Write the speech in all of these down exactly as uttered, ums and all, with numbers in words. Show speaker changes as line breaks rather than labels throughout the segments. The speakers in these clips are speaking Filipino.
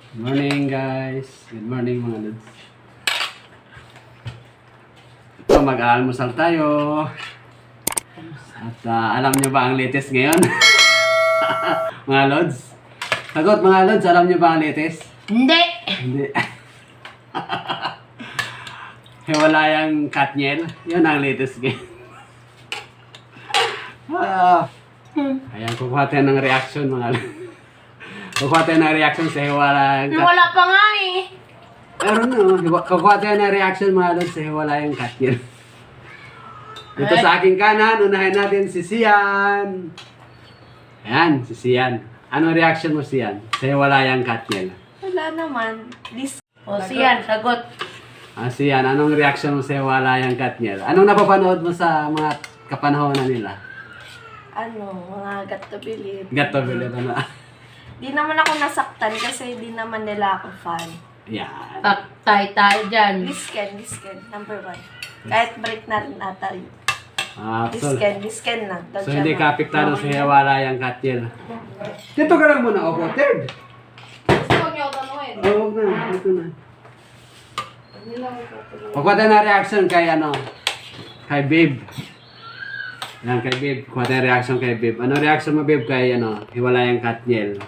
Good morning guys. Good morning mga lods. Ito, mag-aalmusal tayo. At uh, alam nyo ba ang latest ngayon? Mga lods? Sagot mga lods, alam nyo ba ang latest?
Hindi!
Hindi. Hiwalayang Katniel. Yun ang latest game. Ah. Ayan, kukuha tayo ng reaction mga lods. Kukuha tayo ng reaction sa hiwalayang Katniel.
Wala pa nga eh.
Pero no, kukuha tayo ng reaction mga lods sa hiwalayang Katniel. Dito sa aking kanan, unahin natin si Sian. Ayan, si Sian. Anong reaction mo, Sian? Sa hiwalayang Katniel.
Wala naman. This...
O siyan, sagot.
Ah, Sian, anong reaction mo sa hiwalayang Katniel? Anong napapanood mo sa mga kapanahonan nila?
Ano, mga got to believe.
Gato, bilit, ano?
Di naman ako nasaktan kasi di naman nila ako fan.
Yan.
Taktay tayo dyan.
Lisken, Lisken, number one. Kahit break na rin ata yun.
Ah, so,
Lisken, Lisken lang.
so hindi ka apektado sa hiwalayang Katniel. Dito ka lang muna, opo, third.
Gusto niyo tanungin?
Oo, huwag na, dito na. Kukuha tayo ng reaction kay ano, kay Babe. Yan, kay Babe. Kukuha tayo ng reaction kay Babe. Ano reaction mo, Babe, kay ano, hiwalayang Katniel?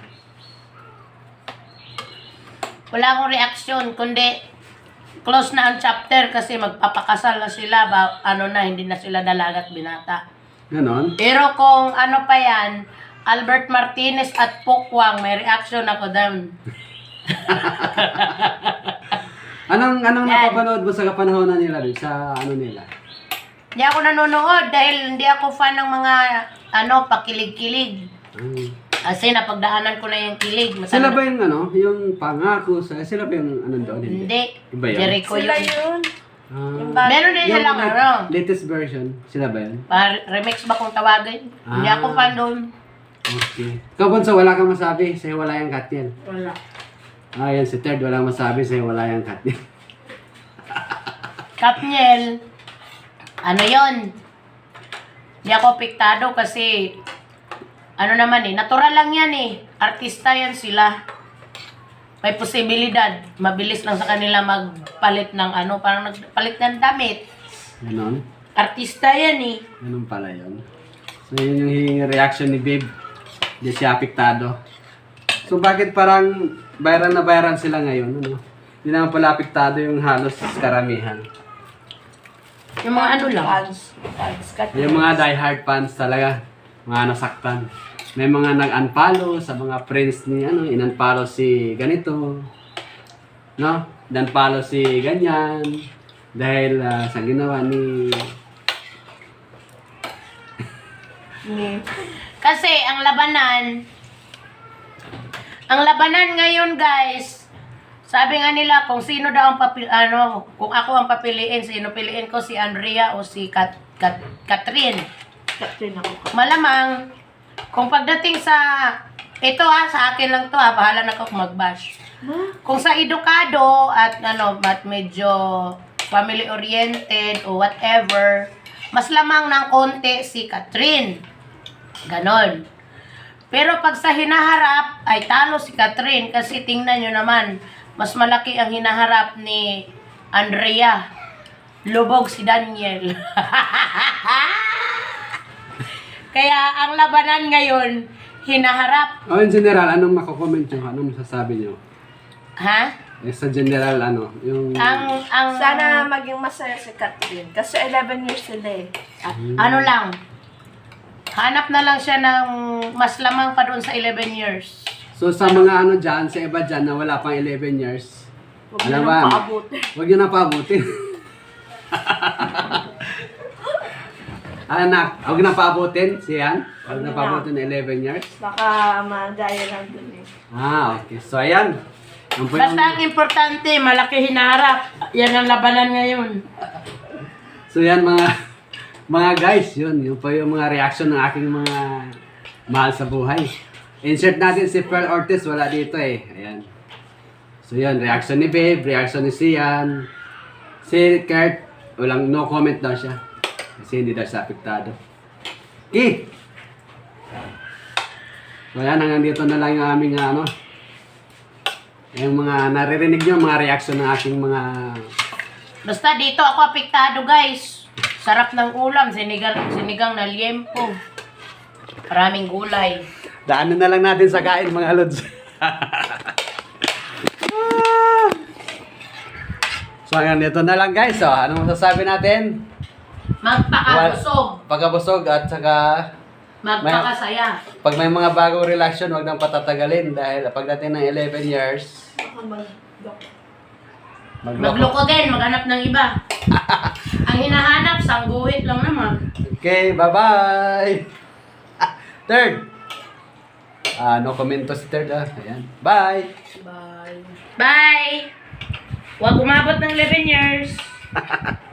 Wala akong reaksyon, kundi close na ang chapter kasi magpapakasal na sila. Ba, ano na, hindi na sila dalaga at binata.
Ganon?
Pero kung ano pa yan, Albert Martinez at Pokwang, may reaction ako doon.
Anong, anong
Yan.
napapanood mo sa kapanahonan nila, Babe? Sa ano nila?
Hindi ako nanonood dahil hindi ako fan ng mga ano, pakilig-kilig.
Hmm.
Kasi napagdaanan ko na yung kilig. Matanda-
Sila ba yung ano, yung pangako sa, sila ba yung ano doon?
Hindi.
Iba yun?
Jericho
Sila
yun.
yun.
Ah.
Yung bagay.
Meron din
Yung
silang
lat-
ano.
latest version, sila ba yun?
Pa- remix ba kung tawagin? Hindi
Ah.
ako fan doon.
Okay. Ikaw, Bonso, wala kang masabi sa hiwalayang Katniel.
Wala.
Ah, yan, si Third, walang masabi sa hiwalayang Katniel.
Katniel, ano yon? Hindi ako apektado kasi ano naman eh, natural lang yan eh. Artista yan sila. May posibilidad. Mabilis lang sa kanila magpalit ng ano, parang nagpalit ng damit.
Ganon?
Artista yan eh.
Ganon pala yun. So, yun yung reaction ni Babe. Hindi siya apektado. So, bakit parang viral na viral sila ngayon? Ano? Hindi naman pala apektado yung halos karamihan.
Yung mga ano lang.
Fans. Fans. Got
Yung mga diehard fans talaga, mga nasaktan. May mga nag-unfollow sa mga friends ni ano, in-unfollow si ganito. No? In-unfollow si ganyan. Dahil ah, sa ginawa ni...
ni...
Kasi ang labanan, ang labanan ngayon guys, sabi nga nila kung sino daw ang papil, ano, kung ako ang papiliin, sino piliin ko, si Andrea o si Kat, Kat, Catherine.
Catherine ako.
Malamang, kung pagdating sa, ito ha, sa akin lang to ha, bahala na ako kung mag-bash. Kung sa edukado at ano, at medyo family oriented o whatever, mas lamang ng konti si Catherine. Ganon. Pero pag sa hinaharap, ay talo si Catherine kasi tingnan nyo naman, mas malaki ang hinaharap ni Andrea. Lubog si Daniel. Kaya ang labanan ngayon, hinaharap.
O, in general, anong mako-comment nyo? Anong masasabi nyo?
Ha?
Eh, sa general, ano? Yung...
Ang, ang,
Sana maging masaya si Catherine. Kasi eleven years sila eh.
ano lang, hanap na lang siya ng mas lamang pa doon sa eleven years.
So, sa mga ano dyan, sa iba dyan na wala pang eleven years,
Huwag
ano
na
ba?
nang paabutin.
Huwag nyo na paabutin. Anak, huwag na paabutin, siyan. Huwag na paabutin na eleven years.
Baka magaya lang dun eh.
Ah, okay. So, ayan. Yung po yung-
Basta ang importante, malaki hinaharap. Yan ang labanan ngayon.
So, yan mga mga guys, yun. Yung po yung mga reaction ng aking mga mahal sa buhay. Insert natin si Pearl Ortiz, wala dito eh. Ayan. So, yun. Reaction ni Babe, reaction ni Sian. Si Kurt, walang no comment daw siya. Kasi hindi daw siya apektado. Okay. So, yan. Hanggang dito na lang yung aming ano, Yung mga naririnig nyo, mga reaction ng aking mga...
Basta dito ako apektado guys. Sarap ng ulam, sinigang, sinigang na liempo. Maraming gulay.
Daanan na lang natin sa kain, mga lods. So, hanggang dito na lang guys. So, anong masasabi natin?
Magpakabusog.
Pagkabusog at saka
Magpakasaya.
pag may mga bagong relasyon, huwag nang patatagalin dahil pagdating ng eleven years, magloko.
Magloko din, maghanap ng iba. Ang hinahanap, sangguhit lang naman.
Okay, bye-bye! Third! Ah, no comment to si Third ah. Ayan. Bye!
Bye. Bye! Huwag umabot ng eleven years.